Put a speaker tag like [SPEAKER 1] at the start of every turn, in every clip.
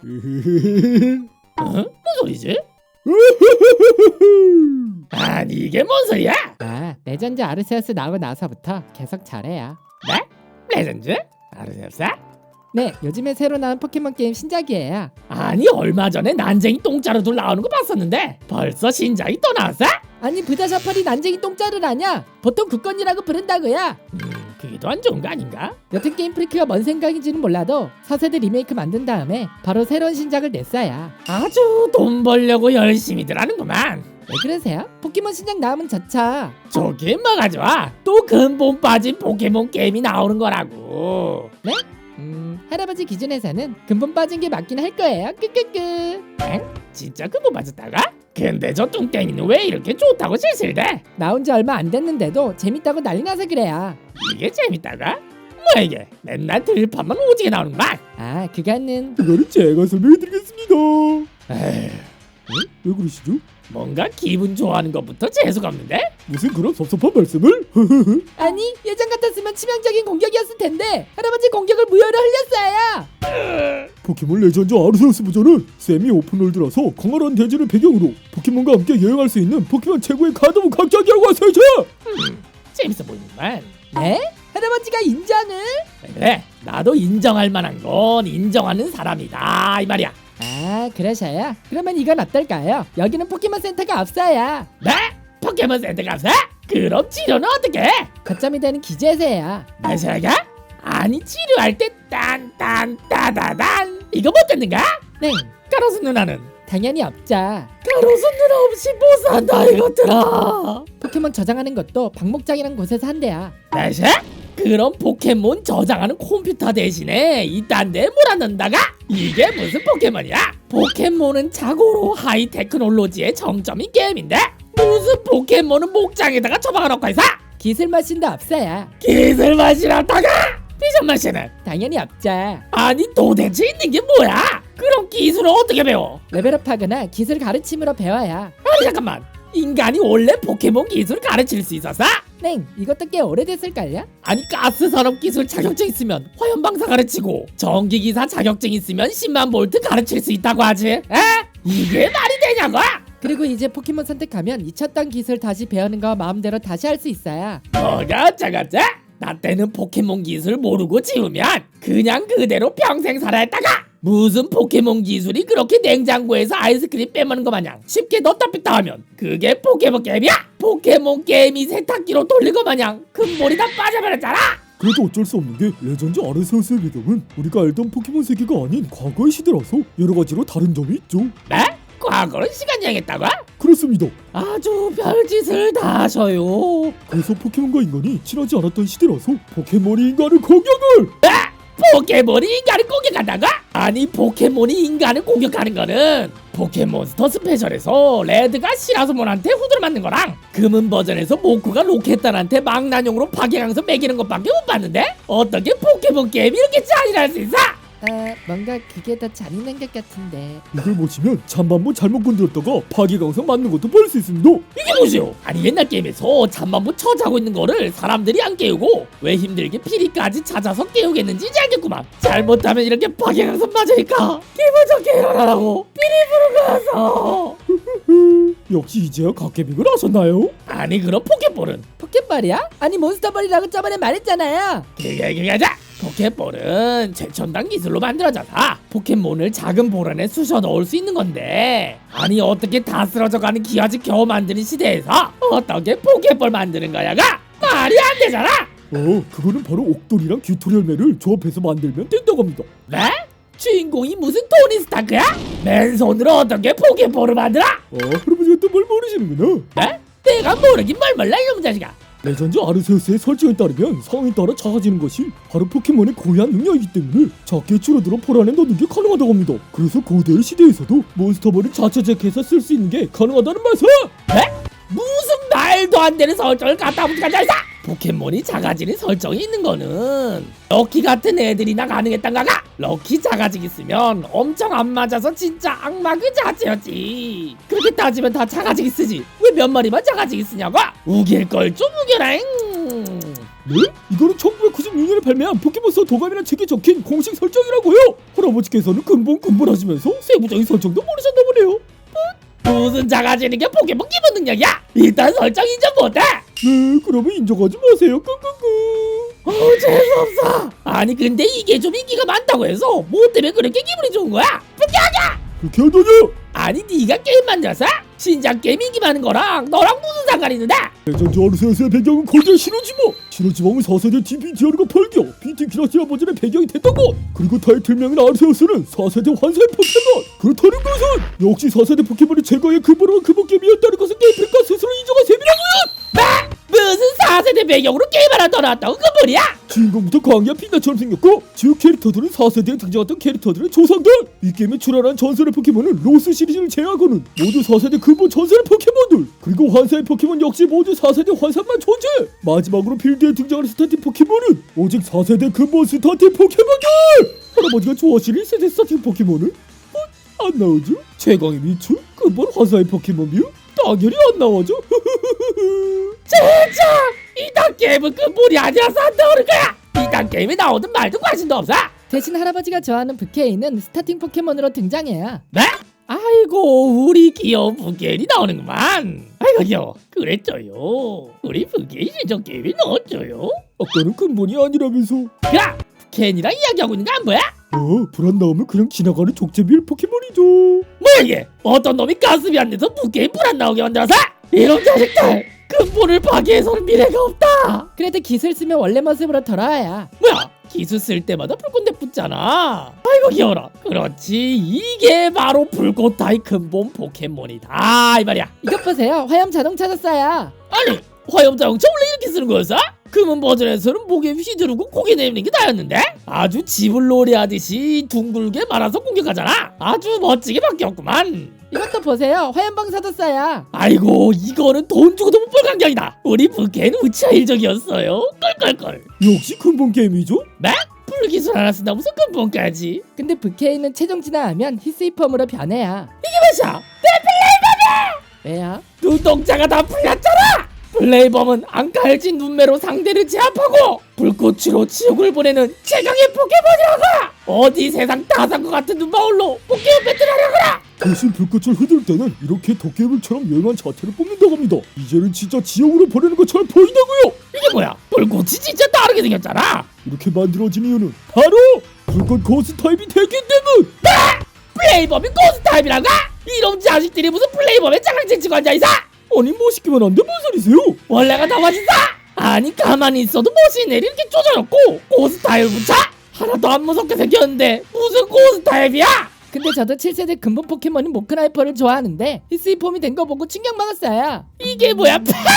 [SPEAKER 1] 뭔 소리지? 아니 이게 뭔 소리야?
[SPEAKER 2] 레전드 아르세우스 나오고 나서부터 계속 잘해요.
[SPEAKER 1] 네? 레전드? 아르세우스?
[SPEAKER 2] 네, 요즘에 새로 나온 포켓몬 게임 신작이에요.
[SPEAKER 1] 아니 얼마 전에 난쟁이 똥자루 둘 나오는 거 봤었는데 벌써 신작이 또 나왔어?
[SPEAKER 2] 아니 부다샤파리 난쟁이 똥자를 아냐? 보통 국건이라고 부른다고요.
[SPEAKER 1] 그게 더 안 좋은 거 아닌가?
[SPEAKER 2] 여튼 게임 프리크가 뭔 생각인지는 몰라도 4세대 리메이크 만든 다음에 바로 새로운 신작을 냈어요.
[SPEAKER 1] 아주 돈 벌려고 열심히들 하는구만.
[SPEAKER 2] 왜 그러세요? 포켓몬 신작 나오면 좋죠.
[SPEAKER 1] 저게 뭐가 좋아? 또 근본 빠진 포켓몬 게임이 나오는 거라고.
[SPEAKER 2] 네? 할아버지 기준에서는 근본 빠진 게 맞긴 할 거예요. 끄끄끄.
[SPEAKER 1] 엥? 진짜 근본 빠졌다가? 근데 저 뚱땡이는 왜 이렇게 좋다고 실실대?
[SPEAKER 2] 나온 지 얼마 안 됐는데도 재밌다고 난리 나서 그래요.
[SPEAKER 1] 이게 재밌다가? 뭐야 이게? 맨날 들판만 오지게 나오는구만.
[SPEAKER 2] 그거는
[SPEAKER 3] 그거는 제가 설명해드리겠습니다.
[SPEAKER 1] 에휴,
[SPEAKER 3] 왜 그러시죠?
[SPEAKER 1] 뭔가 기분 좋아하는 것부터 재수가 없는데?
[SPEAKER 3] 무슨 그런 섭섭한 말씀을?
[SPEAKER 2] 아니 예전 같았으면 치명적인 공격이었을 텐데 할아버지 공격을 무효로 흘렸어요.
[SPEAKER 3] 포켓몬 레전드 아르세우스 버전은 세미 오픈월드라서 광활한 대지를 배경으로 포켓몬과 함께 여행할 수 있는 포켓몬 최고의 카드부 각작이라고 하세요.
[SPEAKER 1] 재밌어 보이는구만.
[SPEAKER 2] 네? 할아버지가 인정을?
[SPEAKER 1] 그래, 나도 인정할 만한 건 인정하는 사람이다 이 말이야.
[SPEAKER 2] 그러셔요? 그러면 이건 어떨까요? 여기는 포켓몬 센터가 없어요.
[SPEAKER 1] 네? 포켓몬 센터가 없어? 그럼 치료는 어떻게 해?
[SPEAKER 2] 거점이 되는 기재세요.
[SPEAKER 1] 마셔가? 아니 치료할 때 딴딴따다단 이거 못 듣는가?
[SPEAKER 2] 네,
[SPEAKER 1] 가로수 누나는?
[SPEAKER 2] 당연히 없죠.
[SPEAKER 1] 가로수 누나 없이 못 산다 이것들아.
[SPEAKER 2] 포켓몬 저장하는 것도 방목장이란 곳에서 한대요.
[SPEAKER 1] 마셔? 그럼 포켓몬 저장하는 컴퓨터 대신에 이딴 데 몰아넣는다가? 이게 무슨 포켓몬이야? 포켓몬은 자고로 하이 테크놀로지의 정점인 게임인데 무슨 포켓몬은 목장에다가 처박아놓고 있어?
[SPEAKER 2] 기술 머신도 없어요.
[SPEAKER 1] 기술 마시라다가 비전 마시는?
[SPEAKER 2] 당연히 없죠.
[SPEAKER 1] 아니 도대체 있는 게 뭐야? 그럼 기술을 어떻게 배워?
[SPEAKER 2] 레벨업하거나 기술 가르침으로 배워요.
[SPEAKER 1] 아니 잠깐만, 인간이 원래 포켓몬 기술 가르칠 수 있었어?
[SPEAKER 2] 네, 이것도 꽤 오래됐을걸요?
[SPEAKER 1] 아니 가스 산업 기술 자격증 있으면 화염 방사 가르치고 전기 기사 자격증 있으면 10만 볼트 가르칠 수 있다고 하지? 에? 이게 말이 되냐고?
[SPEAKER 2] 그리고 이제 포켓몬 선택하면 잊혔던 기술 다시 배우는 거 마음대로 다시 할 수 있어요.
[SPEAKER 1] 뭐가 어쩌겠지? 나 때는 포켓몬 기술 모르고 지우면 그냥 그대로 평생 살아야 했다가 무슨 포켓몬 기술이 그렇게 냉장고에서 아이스크림 빼먹는 거 마냥 쉽게 넣다 뺐다 하면 그게 포켓몬 게임이야? 포켓몬 게임이 세탁기로 돌린 거 마냥 근본이 다 빠져버렸잖아.
[SPEAKER 3] 그래도 어쩔 수 없는 게 레전드 아르세우스의 배경은 우리가 알던 포켓몬 세계가 아닌 과거의 시대라서 여러 가지로 다른 점이 있죠.
[SPEAKER 1] 네? 과거는 시간 여행했다고?
[SPEAKER 3] 그렇습니다.
[SPEAKER 1] 아주 별짓을 다 하셔요.
[SPEAKER 3] 그래서 포켓몬과 인간이 친하지 않았던 시대라서 포켓몬이 인간을 공격을!
[SPEAKER 1] 포켓몬이 인간을 공격한다고? 아니 포켓몬이 인간을 공격하는 거는 포켓몬스터 스페셜에서 레드가 시라소몬한테 후드를 맞는 거랑 금은 버전에서 모쿠가 로켓단한테 망나뇽으로 파괴강서 매기는 것밖에 못 봤는데 어떻게 포켓몬 게임이 이렇게 잔인할 수 있어?
[SPEAKER 2] 뭔가 그게 더 잔인한 것 같은데.
[SPEAKER 3] 이걸 보시면 잠만보 잘못 건드렸다가 파괴강성 맞는 것도 볼 수 있습니다.
[SPEAKER 1] 이게 뭐지요? 아니 옛날 게임에서 잠만보 처자고 있는 거를 사람들이 안 깨우고 왜 힘들게 피리까지 찾아서 깨우겠는지 이제 알겠구만. 잘못하면 이렇게 파괴강성 맞으니까 기분 좋게 일어나라고 피리 부르고 와서.
[SPEAKER 3] 역시 이제야 갓게임을 하셨나요?
[SPEAKER 1] 아니 그럼 포켓볼은?
[SPEAKER 2] 포켓볼이야? 아니 몬스터볼이라고 저번에 말했잖아요.
[SPEAKER 1] 그게 하자. 포켓볼은 최첨단 기술로 만들어져서 포켓몬을 작은 볼 안에 쑤셔 넣을 수 있는 건데 아니 어떻게 다 쓰러져가는 기아지 겨우 만드는 시대에서 어떻게 포켓볼 만드는 거야가 말이 안 되잖아.
[SPEAKER 3] 그거는 바로 옥돌이랑 튜토리얼매를 조합해서 만들면 된다고 합니다.
[SPEAKER 1] 네? 주인공이 무슨 토니 스타크야? 맨손으로 어떻게 포켓볼을 만들어?
[SPEAKER 3] 할아버지가 또 뭘 모르시는구나.
[SPEAKER 1] 네? 내가 모르긴 뭘 몰라 이놈 자식아.
[SPEAKER 3] 레전드 아르세우스의 설정에 따르면 상황에 따라 작아지는 것이 바로 포켓몬의 고유한 능력이기 때문에 작게 줄어들어 볼 안에 넣는 게 가능하다고 합니다. 그래서 고대의 시대에서도 몬스터볼을 자체적해서 쓸 수 있는 게 가능하다는 말씀!
[SPEAKER 1] 네? 무슨 말도 안 되는 설정을 갖다 붙여가지고 있어! 포켓몬이 작아지는 설정이 있는 거는 럭키 같은 애들이나 가능했단 가가? 럭키 작아지기 쓰면 엄청 안 맞아서 진짜 악마 그 자체였지. 그렇게 따지면 다 작아지기 쓰지 왜 몇 마리만 작아지기 쓰냐고? 우길 걸 좀 우겨라.
[SPEAKER 3] 네? 이거는 1996년에 발매한 포켓몬스터 도감이라는 책에 적힌 공식 설정이라고요. 할아버지께서는 근본하시면서 세부적인 설정도 모르셨나 보네요.
[SPEAKER 1] 무슨 작아지는 게 포켓몬 기본 능력이야? 일단 설정 인정 못해.
[SPEAKER 3] 네, 그러면 인정하지 마세요. 끙끙끙.
[SPEAKER 1] 재수없어. 아니 근데 이게 좀 인기가 많다고 해서 뭐 때문에 그렇게 기분이 좋은 거야?
[SPEAKER 3] 그렇게 하다냐?
[SPEAKER 1] 아니 네가 게임 만들어서? 신작 게임 인기 많은 거랑 너랑 무슨 상관이 있는데?
[SPEAKER 3] 대전주 아르세우스의 배경은 거대 신호지마. 신호지방은 4세대 DPDR과 벌교 BT 기라시아 버전의 배경이 됐던 것. 그리고 타이틀명인 아르세우스는 4세대 환생 포켓몬. 그렇다는 것은 역시 4세대 포켓몬의 제거의 근본으로 근본 게임이었다는 것은 게임평가 스스로 인정한 셈이라고요.
[SPEAKER 1] 무슨 4세대 배경으로 게임 하나 더 나왔다고 그 뭐야?
[SPEAKER 3] 주인공부터 광야 빛나처럼 생겼고 주요 캐릭터들은 4세대에 등장했던 캐릭터들의 조상들. 이 게임에 출연한 전설의 포켓몬은 로스 시리즈를 제외하고는 모두 4세대 근본 전설의 포켓몬들. 그리고 환사의 포켓몬 역시 모두 4세대 환상만 존재. 마지막으로 필드에 등장하는 스타팅 포켓몬은 오직 4세대 근본 스타팅 포켓몬들. 할아버지가 좋아하시는 1세대 스타팅 포켓몬은 안 나오죠? 최강의 미추, 근본 환사의 포켓몬 뮤 당연히 안 나오죠.
[SPEAKER 1] 진짜 이딴 게임은 근본이 아니라서 안 나오는 거야. 이딴 게임에 나오든 말든 관심도 없어.
[SPEAKER 2] 대신 할아버지가 좋아하는 부케이는 스타팅 포켓몬으로 등장해요.
[SPEAKER 1] 네? 아이고 우리 귀여운 부케인이 나오는구만. 아이고 귀여워. 그랬죠요. 우리 부케인 신청 게임에 넣었죠요.
[SPEAKER 3] 아까는 근본이 아니라면서.
[SPEAKER 1] 야 부케인이랑 이야기하고 있는 거 안 보여?
[SPEAKER 3] 불안 나오면 그냥 지나가는 족제비일 포켓몬이죠.
[SPEAKER 1] 뭐야 이게? 어떤 놈이 가슴이 안 돼서 부케인 불 안 나오게 만들어서? 이런 자식들 근본을 파괴해서는 미래가 없다.
[SPEAKER 2] 그래도 기술 쓰면 원래 모습으로 돌아와야.
[SPEAKER 1] 뭐야 기술 쓸 때마다 불꽃대 붙잖아. 아이고 귀여워라. 그렇지 이게 바로 불꽃 타입 근본 포켓몬이다 이 말이야.
[SPEAKER 2] 이것 보세요. 화염 자동 찾았어요.
[SPEAKER 1] 아니 화염자동차 원래 이렇게 쓰는 거였어? 금은 버전에서는 목에 휘두르고 고개 내미는 게 나였는데? 아주 집을 노래하듯이 둥글게 말아서 공격하잖아. 아주 멋지게 바뀌었구만.
[SPEAKER 2] 이것도 보세요. 화염방사도 써요.
[SPEAKER 1] 아이고 이거는 돈 주고도 못 볼 광경이다. 우리 부캐는 우치아 일적이었어요. 껄껄껄.
[SPEAKER 3] 역시 근본 게임이죠.
[SPEAKER 1] 네? 불기술 하나 쓴다 무슨 근본까지.
[SPEAKER 2] 근데 부케이는 최종 진화하면 히스이펌으로 변해요.
[SPEAKER 1] 이게 뭐야?
[SPEAKER 2] 왜요?
[SPEAKER 1] 눈동자가 다 풀렸잖아. 플레이범은 안칼진 눈매로 상대를 제압하고 불꽃으로 지옥을 보내는 최강의 포켓몬이라고. 어디 세상 다산과 같은 눈바울로 포켓몬 배틀하려고라.
[SPEAKER 3] 대신 불꽃을 흐들 때는 이렇게 도깨비처럼 요염한 자태를 뽑는다고 합니다. 이제는 진짜 지옥으로 보내는 것처럼 보인다고요.
[SPEAKER 1] 이게 뭐야? 불꽃이 진짜 다르게 생겼잖아.
[SPEAKER 3] 이렇게 만들어진 이유는 바로 불꽃 고스 타입이 되기 때문.
[SPEAKER 1] 플레이범이 고스 타입이라고? 이런 자식들이 무슨 플레이범에 장난질 치고 앉아있어?
[SPEAKER 3] 아니 멋있기만 한데 뭔 소리세요?
[SPEAKER 1] 원래가 더 멋있어? 아니 가만히 있어도 멋있네 이렇게 쪼져놓고 고스 타입을 붙여? 하나도 안 무섭게 생겼는데 무슨 고스 타입이야?
[SPEAKER 2] 근데 저도 7세대 근본 포켓몬인 모크나이퍼를 좋아하는데 히스이폼이 된 거 보고 충격 먹었어요.
[SPEAKER 1] 이게 뭐야?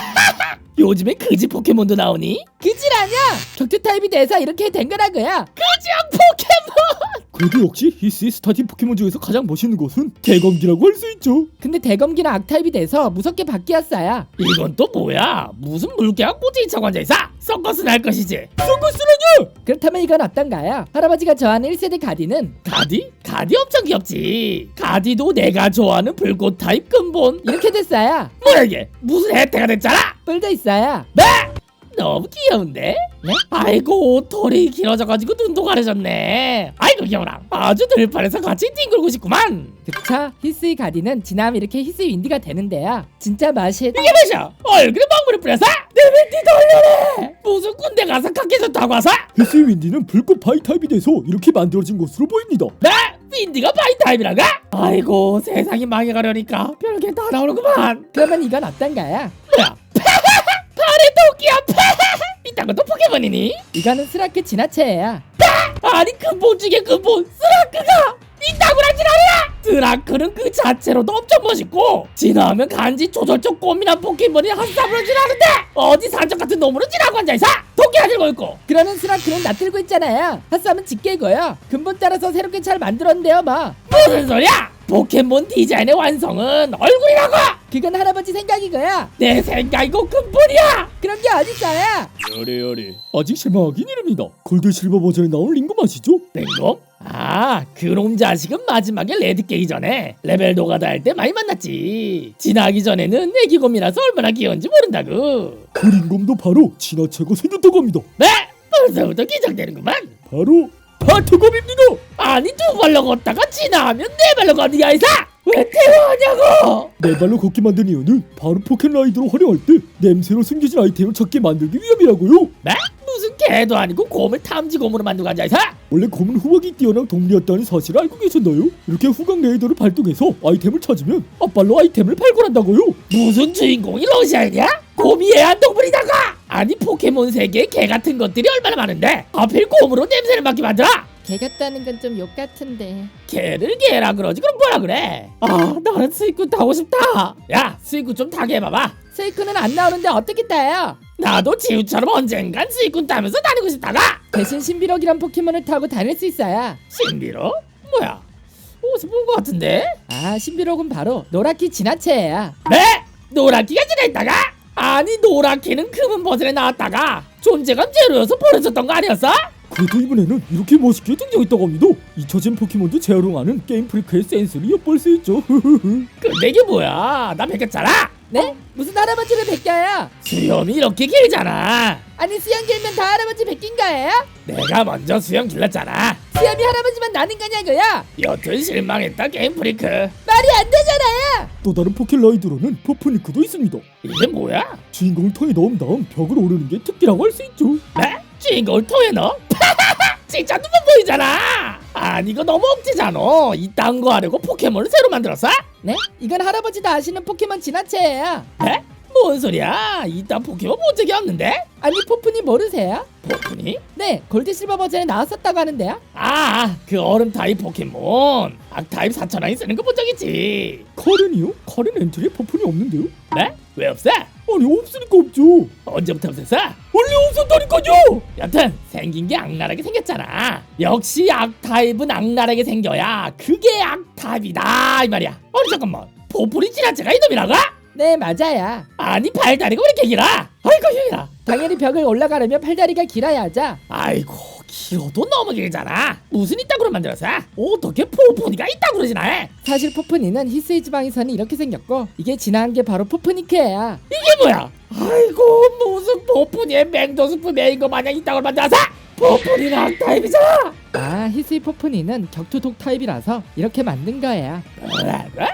[SPEAKER 1] 요즘에 그지 포켓몬도 나오니?
[SPEAKER 2] 그지라뇨? 격투 타입이 돼서 이렇게 된 거라고요.
[SPEAKER 1] 그지한 포켓몬!
[SPEAKER 3] 그래도 역시 히스의 스타팅 포켓몬 중에서 가장 멋있는 것은 대검기라고 할 수 있죠.
[SPEAKER 2] 근데 대검기는 악타입이 돼서 무섭게 바뀌었어요.
[SPEAKER 1] 이건 또 뭐야? 무슨 물개가 꼬치기 차고 앉아있어? 서커스 날 것이지?
[SPEAKER 3] 서커스라뇨!
[SPEAKER 2] 그렇다면 이건 어떤가요? 할아버지가 좋아하는 1세대 가디는
[SPEAKER 1] 가디? 가디 엄청 귀엽지. 가디도 내가 좋아하는 불꽃 타입 근본.
[SPEAKER 2] 이렇게 됐어요.
[SPEAKER 1] 뭐야 이게? 무슨 혜태가 됐잖아?
[SPEAKER 2] 뿔도 있어요.
[SPEAKER 1] 네? 너무 귀여운데?
[SPEAKER 2] 네?
[SPEAKER 1] 아이고 털이 길어져가지고 눈도 가려졌네. 아이고 귀여워라. 아주 들판에서 같이 뒹굴고 싶구만.
[SPEAKER 2] 그쵸? 히스이 가디는 지나면 이렇게 히스이 윈디가 되는데요. 진짜 맛이
[SPEAKER 1] 이게 뭐야? 얼굴에 먹물을 뿌려서? 내 윈디도 올려내. 무슨 군대 가서 각계졌다고 와서?
[SPEAKER 3] 히스의 윈디는 불꽃 바이 타입이 돼서 이렇게 만들어진 것으로 보입니다.
[SPEAKER 1] 네? 윈디가 바이 타입이라가? 아이고 세상이 망해가려니까 별게 다 나오는구만.
[SPEAKER 2] 그러면 이건 어떤가요?
[SPEAKER 1] 뭐야? 팔에 토끼야. 이딴 것도 포켓몬이니?
[SPEAKER 2] 이거는 스라크 진화체예요.
[SPEAKER 1] 아니 근본 중에 근본 스라크가 이따구나 지랄이야. 스라크는 그 자체로도 엄청 멋있고 진화하면 간지 조절적 꼬민한 포켓몬이 한쌈으로 지나는데 어디 산적 같은 놈으로 지나고 앉아있어. 토끼가 들고 있고.
[SPEAKER 2] 그러는 스라크는 낯들고 있잖아요. 핫쌈은 직계고요. 근본 따라서 새롭게 잘 만들었는데요 뭐.
[SPEAKER 1] 무슨 소리야? 포켓몬 디자인의 완성은 얼굴이라고.
[SPEAKER 2] 그건 할아버지 생각이고요.
[SPEAKER 1] 내 생각이고 근본이야.
[SPEAKER 2] 그런 게 어딨어요.
[SPEAKER 3] 요리요리 아직 실망하긴 이릅니다. 골드 실버 버전에 나온 링검 아시죠?
[SPEAKER 1] 링검? 아, 그놈 자식은 마지막에 레드 깨기 전에 레벨 노가다 할 때 많이 만났지. 지나기 전에는 애기곰이라서 얼마나 귀여운지 모른다고.
[SPEAKER 3] 그린검도 바로 진화체가 생겼다고 합니다.
[SPEAKER 1] 네? 벌써부터 기장되는구만.
[SPEAKER 3] 바로 파트검입니다.
[SPEAKER 1] 아니 두 발로 걷다가 지나가면 네 발로 걷는 게 아니사. 왜 태워하냐고.
[SPEAKER 3] 네 발로 걷게 만든 이유는 바로 포켓라이더로 활용할 때 냄새로 숨겨진 아이템을 찾게 만들기 위함이라고요.
[SPEAKER 1] 네? 무슨 개도 아니고 곰을 탐지곰으로 만들고 앉아있어?
[SPEAKER 3] 원래 곰은 후각이 뛰어난 동물이었다는 사실을 알고 계셨나요? 이렇게 후각 레이더를 발동해서 아이템을 찾으면 앞발로 아이템을 발굴한다고요.
[SPEAKER 1] 무슨 주인공이 러시아인이야? 곰이 애완동물이다가. 아니 포켓몬 세계에 개 같은 것들이 얼마나 많은데 하필 곰으로 냄새를 맡게 만들어?
[SPEAKER 2] 개 같다는 건 좀 욕 같은데.
[SPEAKER 1] 개를 개라 그러지 그럼 뭐라 그래? 아 나는 스이쿠 타고 싶다. 야 스이쿠 좀 타게 해봐봐.
[SPEAKER 2] 세이크는 안 나오는데 어떻게 타요?
[SPEAKER 1] 나도 지우처럼 언젠간 스이쿠 타면서 다니고 싶다가.
[SPEAKER 2] 대신 신비록이란 포켓몬을 타고 다닐 수 있어요.
[SPEAKER 1] 신비로? 뭐야? 어디서 본 것 같은데?
[SPEAKER 2] 아, 신비록은 바로 노랗기 진화체예요.
[SPEAKER 1] 네? 노랗기가 지나있다가? 아니 노랗기는 금은 버전에 나왔다가 존재감 제로여서 버려졌던 거 아니었어?
[SPEAKER 3] 그래도 이번에는 이렇게 멋있게 등장했다고 합니다. 잊혀진 포켓몬도 재활용하는 게임 프리크의 센스를 엿볼 수 있죠.
[SPEAKER 1] 근데 이게 뭐야? 나 베꼈잖아?
[SPEAKER 2] 네? 무슨 할아버지를 베껴요?
[SPEAKER 1] 수염이 이렇게 길잖아.
[SPEAKER 2] 아니 수염 길면 다 할아버지 베낀 거예요?
[SPEAKER 1] 내가 먼저 수염 길렀잖아.
[SPEAKER 2] 수염이 할아버지만 나는 거냐고요?
[SPEAKER 1] 여튼 실망했다 게임 프리크.
[SPEAKER 2] 말이 안 되잖아요.
[SPEAKER 3] 또 다른 포켓라이더로는 퍼프니크도 있습니다.
[SPEAKER 1] 이게 뭐야?
[SPEAKER 3] 주인공을 통에 넣은 다음 벽을 오르는 게 특기라고 할 수 있죠.
[SPEAKER 1] 네? 주인공을 통해 넣어? 진짜 눈만 보이잖아. 아니 이거 너무 억지잖아. 이딴 거 하려고 포켓몬을 새로 만들었어?
[SPEAKER 2] 네? 이건 할아버지도 아시는 포켓몬 진화체예요.
[SPEAKER 1] 네? 뭔 소리야? 이딴 포켓몬 본 적이 없는데?
[SPEAKER 2] 아니 포푼이 모르세요?
[SPEAKER 1] 포프니?
[SPEAKER 2] 네, 골드 실버 버전에 나왔었다고 하는데요.
[SPEAKER 1] 아, 그 얼음 타입 포켓몬. 악 타입 4,000원이 쓰는 거 본 적 있지.
[SPEAKER 3] 카렌이요? 카렌 엔트리에 퍼프니 없는데요?
[SPEAKER 1] 네? 왜 없어?
[SPEAKER 3] 아니 없으니까 없죠.
[SPEAKER 1] 언제부터 없었어?
[SPEAKER 3] 원래 없었다니까요.
[SPEAKER 1] 여튼 생긴 게 악랄하게 생겼잖아. 역시 악 타입은 악랄하게 생겨야 그게 악 타입이다 이 말이야. 아니 잠깐만, 포프리 진화체가 이놈이라고?
[SPEAKER 2] 네, 맞아요.
[SPEAKER 1] 아니 발다리가 왜 이렇게 길어? 아이고 힘이라.
[SPEAKER 2] 당연히 벽을 올라가려면 팔다리가 길어야죠.
[SPEAKER 1] 아이고 길어도 너무 길잖아. 무슨 이따구로 만들었어? 어떻게 포프니가 이따구로 진화해?
[SPEAKER 2] 사실 포프니는 히스이 지방에서는 이렇게 생겼고 이게 진화한 게 바로 포프니크예요.
[SPEAKER 1] 이게 뭐야? 아이고 무슨 포프니의 맹도스프 메인 거 마냥 이따구로 만들었어? 포프니는 악 타입이잖아.
[SPEAKER 2] 아, 히스이 포프니는 격투 독 타입이라서 이렇게 만든 거예요.
[SPEAKER 1] 뭐라고?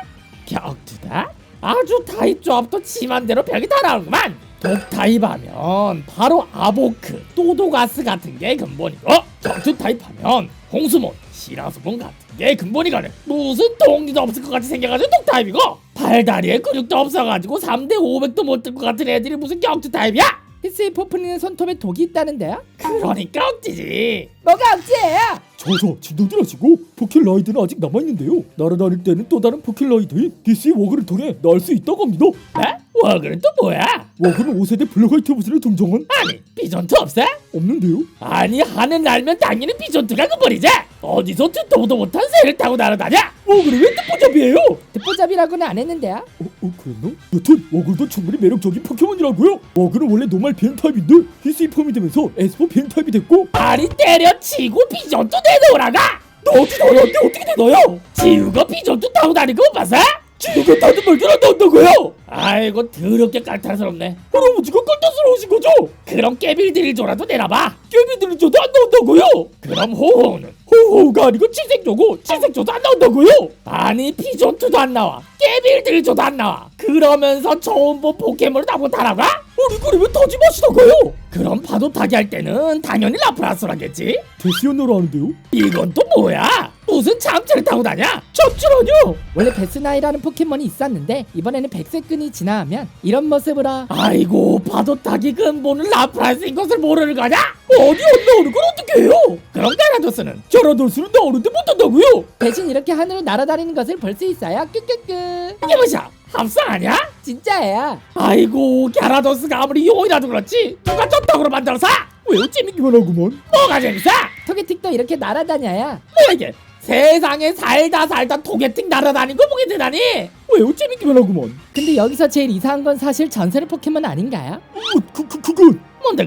[SPEAKER 1] 격투다? 아주 타입 조합도 지만대로 벽이 다 나오구만. 독 타입 하면 바로 아보크, 또도가스 같은 게 근본이고, 격투 타입 하면 홍수몬, 시라수몬 같은 게 근본이거든. 무슨 동리도 없을 것 같이 생겨가지고 독 타입이고, 팔다리에 근육도 없어가지고 3대 500도 못 들 것 같은 애들이 무슨 격투 타입이야?
[SPEAKER 2] 히스이 포프니는 손톱에 독이 있다는데요?
[SPEAKER 1] 그러니까 억지지.
[SPEAKER 2] 뭐가 억지예요?
[SPEAKER 3] 저서 진동들 하시고 포켓라이드는 아직 남아있는데요. 날아다닐 때는 또 다른 포켓라이드인 DC 워그를 통해 날 수 있다고 합니다.
[SPEAKER 1] 네? 워그는 또 뭐야?
[SPEAKER 3] 워그는 5세대 블랙화이트 버전에 등장한
[SPEAKER 1] 아니 비전투 없어?
[SPEAKER 3] 없는데요.
[SPEAKER 1] 아니 하늘 날면 당연히 비전투가 그버리지. 어디서 듣도 못한 새를 타고 날아다녀?
[SPEAKER 3] 워그는 왜 뜻보잡이에요?
[SPEAKER 2] 듣보잡이라고는 안 했는데요?
[SPEAKER 3] 그랬나? 여튼 워글도 충분히 매력적인 포켓몬이라고요. 워글은 원래 노말 비행 타입인데 히스이 폼이 되면서 에스포 비행 타입이 됐고
[SPEAKER 1] 아니 때려치고 비전투 내놓으라가.
[SPEAKER 3] 너 어떻게 나한테 어떻게 되나요?
[SPEAKER 1] 지우가 비전투 타고 다니는 거 못 봤어?
[SPEAKER 3] 지우가 다른 말들 안 나온다고요?
[SPEAKER 1] 아이고 더럽게 깔탈스럽네.
[SPEAKER 3] 할아버지가 껄떡스러우신 거죠?
[SPEAKER 1] 그럼 깨빌드릴 줘라도 내놔봐.
[SPEAKER 3] 깨비들은 저도 안 나온다고요?
[SPEAKER 1] 그럼 호호는?
[SPEAKER 3] 호호가 아니고 칠색조고 칠색조도 안 나온다고요?
[SPEAKER 1] 아니 비전투도 안 나와, 깨빌드릴 줘도 안 나와. 그러면서 처음 본 포켓몬을 다 못하라고?
[SPEAKER 3] 아니 그러면 타지 마시다가요.
[SPEAKER 1] 그럼 파도 타기 할 때는 당연히 라프라스라겠지.
[SPEAKER 3] 데시언너로 하는데요?
[SPEAKER 1] 이건 또 뭐야? 무슨 참치를 타고 다녀?
[SPEAKER 3] 참치라뇨?
[SPEAKER 2] 원래 베스나이라는 포켓몬이 있었는데 이번에는 백색끈이 진화하면 이런 모습으로
[SPEAKER 1] 아이고 파도 타기 근본은 라프라스인 것을 모르는 거냐?
[SPEAKER 3] 아니 안 나오는 건 어떻게 해요?
[SPEAKER 1] 그럼 가라도스는?
[SPEAKER 3] 자라돌수는 나오는데 못한다고요?
[SPEAKER 2] 대신 이렇게 하늘로 날아다니는 것을 볼 수 있어요. 끄끄끄.
[SPEAKER 1] 이게 뭐야? 합성 아니야?
[SPEAKER 2] 진짜예요.
[SPEAKER 1] 아이고 갸라도스가 아무리 용이라도 그렇지 누가 쩍떡으로 만들어서?
[SPEAKER 3] 왜요? 재밌기만 하구만.
[SPEAKER 1] 뭐가 재밌어?
[SPEAKER 2] 토게틱도 이렇게 날아다녀요.
[SPEAKER 1] 뭐야 이게? 세상에 살다 토게팅 날아다닌 거 보게 되다니.
[SPEAKER 3] 왜요? 재밌기만 하구만.
[SPEAKER 2] 근데 여기서 제일 이상한 건 사실 전설의 포켓몬 아닌가요?
[SPEAKER 3] 그건
[SPEAKER 1] 뭔데 그래?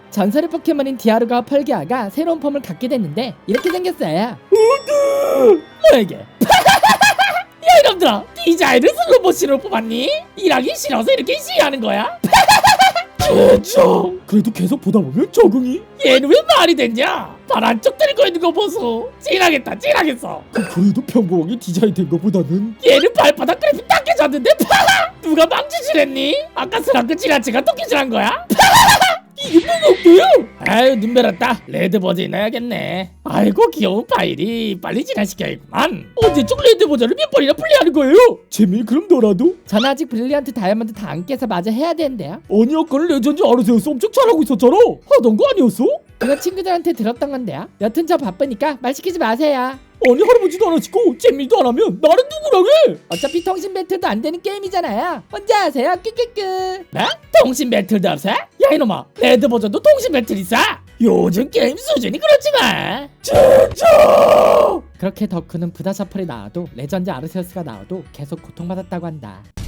[SPEAKER 2] 전설의 포켓몬인 디아루가와 펄기아가 새로운 폼을 갖게 됐는데 이렇게 생겼어요.
[SPEAKER 1] 뭐야 이게? 야 이놈들아, 디자인을 슬로모션으로 뽑았니? 일하기 싫어서 이렇게 시위하는 거야?
[SPEAKER 3] 진짜 그래도 계속 보다 보면 적응이.
[SPEAKER 1] 얘는 왜 말이 됐냐? 발 안쪽 들고 있는 거 보소. 찐하겠다, 찐하겠어.
[SPEAKER 3] 그래도 평범하게 디자인된 것보다는.
[SPEAKER 1] 얘는 발바닥 그래픽 딱 깨졌는데 누가 망치질했니? 아까 스랑크 지나치가 토끼질한 거야? 이게 뭐야? 아유 눈 베렸다. 레드 버전 넣어야겠네. 아이고 귀여운 파일이 빨리 진화시켜야겠구만. 언제적 레드 버전을 몇 번이나 플레이하는 거예요?
[SPEAKER 3] 재미 그럼 너라도?
[SPEAKER 2] 전 아직 브릴리언트 다이아몬드 다 안 깨서 마저 해야 되는데요.
[SPEAKER 3] 아니 아까는 레전드 아르세우스 엄청 잘하고 있었잖아. 하던 거 아니었어?
[SPEAKER 2] 그거 친구들한테 들었던 건데요. 여튼 저 바쁘니까 말 시키지 마세요.
[SPEAKER 3] 아니 할아버지도 안 하시고 잼밀도 안 하면 나는 누구랑 해?
[SPEAKER 2] 어차피 통신 배틀도 안 되는 게임이잖아요. 혼자 하세요. 끄끄끄.
[SPEAKER 1] 뭐? 통신 배틀도 없어? 야 이놈아, 레드 버전도 통신 배틀 있어? 요즘 게임 수준이 그렇지만
[SPEAKER 3] 진짜.
[SPEAKER 2] 그렇게 덕후는 부다샤플이 나와도 레전드 아르세우스가 나와도 계속 고통받았다고 한다.